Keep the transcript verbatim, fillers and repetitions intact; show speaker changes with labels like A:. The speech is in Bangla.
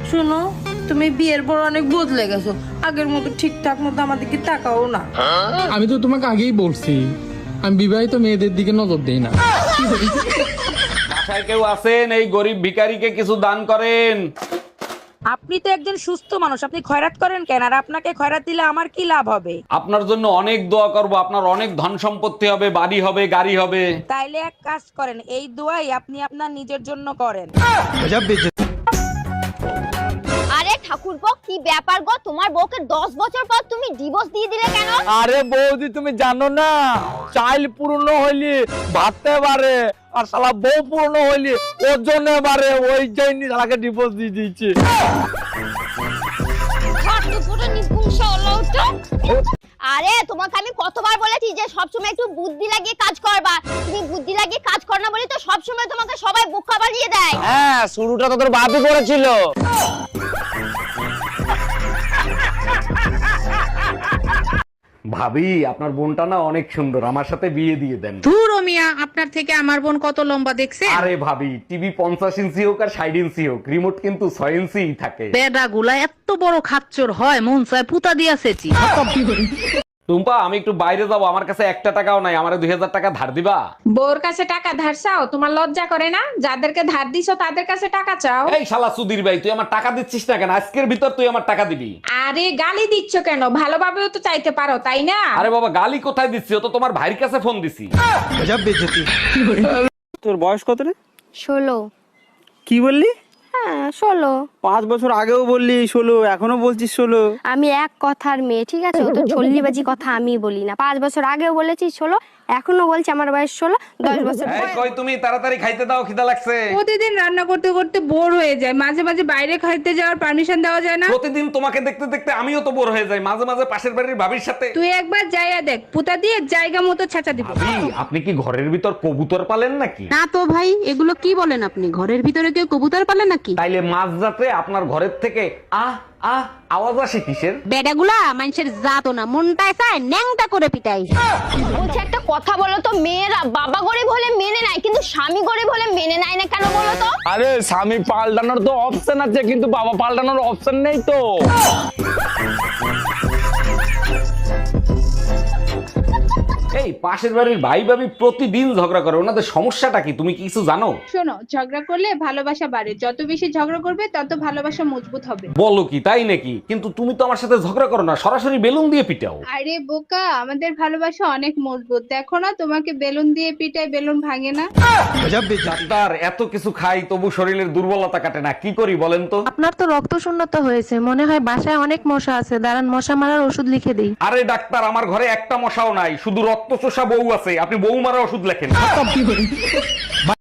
A: শোনো, তুমি বিয়ের পর অনেক বদলে গেছো, আগের মতো ঠিকঠাক মতো আমাদেরকে তাকাও না।
B: আমি তো তোমাকে আগেই বলছি আমি বিবাহিত মেয়েদের দিকে নজর দেই না।
C: বাসায় কেউ আছেন? এই গরিব ভিখারিকে কিছু দান করেন।
D: আপনি তো একজন সুস্থ মানুষ, আপনি খয়রাত করেন কেন? আর আপনাকে খয়রাত দিলে আমার কি লাভ হবে?
C: আপনার জন্য অনেক দোয়া করব, আপনার অনেক ধন সম্পত্তি হবে, বাড়ি হবে, গাড়ি হবে।
D: তাইলে এক কাজ করেন, এই দোয়াই আপনি আপনার নিজের জন্য করেন।
E: আরে ঠাকুরপো, কি ব্যাপার গো? তোমার বউকে দশ বছর পর তুমি ডিভোর্স দিয়ে দিলে কেন?
F: আরে বৌদি তুমি জানো না, চাইল পূর্ণ হইলি ভাবতে পারে, আর শালা বউ পূর্ণ হইলি ওজনে পারে, ওই জন্য শালাকে ডিভোর্স দিয়ে দিয়েছে।
E: পুরো নিপুংস হলো তো। আরে তোমাকে আমি কতবার বলেছি যে সবসময় একটু বুদ্ধি লাগিয়ে কাজ করবা, তুমি বুদ্ধি লাগিয়ে কাজ কর না বলে তো সবসময় তোমাকে সবাই বোকা বানিয়ে দেয়।
F: হ্যাঁ, শুরুটা তো তোর বাপই করেছিল।
C: ভাবি, আপনার বোনটা না অনেক সুন্দর, আমার সাথে বিয়ে দিয়ে দেন।
G: ধুর ও মিয়া, আপনার থেকে আমার বোন কত লম্বা দেখছে?
C: আরে ভাবি, টিভি পঞ্চাশ ইঞ্চি হোক আর ষাট ইঞ্চি হোক, রিমোট কিন্তু ছয় ইঞ্চি থাকে।
G: বেডা গুলা এত বড় খাচ্চর হয়, মন চায় পুতা দিয়াছেছি।
C: টুম্পা, আমি একটু বাইরে যাবো, আমার কাছে একটা টাকাও নাই, আমারে দুই হাজার টাকা ধার দিবা?
H: বউর কাছে টাকা ধার চাও? তোমার লজ্জা করে না? যাদেরকে ধার দিছো তাদের কাছে টাকা চাও?
C: এই শালা সুধীর ভাই, তুই আমার টাকা দিচ্ছিস না কেন? আজকের ভিতর তুই আমার টাকা দিবি।
H: আরে গালি দিচ্ছ কেন? ভালোভাবেও তো চাইতে পারো, তাই না?
C: আরে বাবা, গালি কোথায় দিচ্ছি? ও তো তোমার ভাইয়ের কাছে ফোন দিছি।
F: তোর বয়স কত রে?
E: ষোলো।
F: কি বললি?
E: হ্যাঁ ষোলো।
F: পাঁচ বছর আগেও বললি ষোলো, এখনো বলছিস ষোলো।
E: আমি এক কথার মেয়ে, ঠিক আছে? ও তো চল্লিবাজি কথা আমি বলি না। পাঁচ বছর আগেও বলেছি ষোলো, এখনো বলছি আমার বয়স ষোলো। দশ বছর
C: এই কই তুমি, তাড়াতাড়ি খাইতে দাও, খিদা লাগছে।
H: প্রতিদিন রান্না করতে করতে বোর হয়ে যায়, মাঝে মাঝে বাইরে খাইতে যাওয়ার পারমিশন দেওয়া যায় না?
C: প্রতিদিন তোমাকে দেখতে দেখতে আমিও তো বোর হয়ে যাই, মাঝে মাঝে পাশের বাড়ির ভাবির সাথে।
H: তুই একবার যাইয়া দেখ, পুতা দিয়ে জায়গা মতো ছেঁচা দিব।
C: ভাবি, আপনি কি ঘরের ভিতর কবুতর পালেন নাকি?
G: না তো ভাই, এগুলো কি বলেন আপনি? ঘরের ভিতরে কেউ কবুতর পালে নাকি?
C: তাইলে মাঝ রাতে আপনার ঘরের থেকে আহ আহ আওয়াজ আসে কিসের?
G: বেডাগুলা মানুষের জাতো না, মনটায় চায় ন্যাংটা করে পিটাই।
E: বলছে একটা কথা বলো তো, মেয়েরা বাবা গরিব হলে মেনে নেয়, কিন্তু স্বামী গরিব হলে মেনে নেয় না কেন বলো তো?
F: আরে স্বামী পাল্টানোর তো অপশন আছে, কিন্তু বাবা পাল্টানোর অপশন নেই তো।
C: এই পাশের বাড়ির ভাই ভাবি প্রতিদিন ঝগড়া করে, ওনাদের সমস্যাটা কি তুমি কি কিছু জানো?
H: শোনো, ঝগড়া করলে ভালোবাসা বাড়ে, যত বেশি ঝগড়া করবে তত ভালোবাসা মজবুত হবে।
C: বলো কি, তাই নাকি? কিন্তু তুমি তো আমার সাথে ঝগড়া করো না, সরাসরি বেলুন দিয়ে পিটাও।
H: আরে বোকা, আমাদের ভালোবাসা অনেক মজবুত, দেখো না তোমাকে বেলুন দিয়ে পিটাই, বেলুন ভাঙে না।
C: ডাক্তার, এত কিছু খাই তবু শরীরের দুর্বলতা কাটে না, কি করি বলেন তো?
A: আপনার তো রক্ত শূন্যতা হয়েছে, মনে হয় বাসায় অনেক মশা আছে, দাঁড়ান মশা মারার ওষুধ লিখে দিই।
C: আরে ডাক্তার, আমার ঘরে একটা মশাও নাই, শুধু রক্ত চোষা বউ আছে, আপনি বউ মারা ওষুধ লেখেন।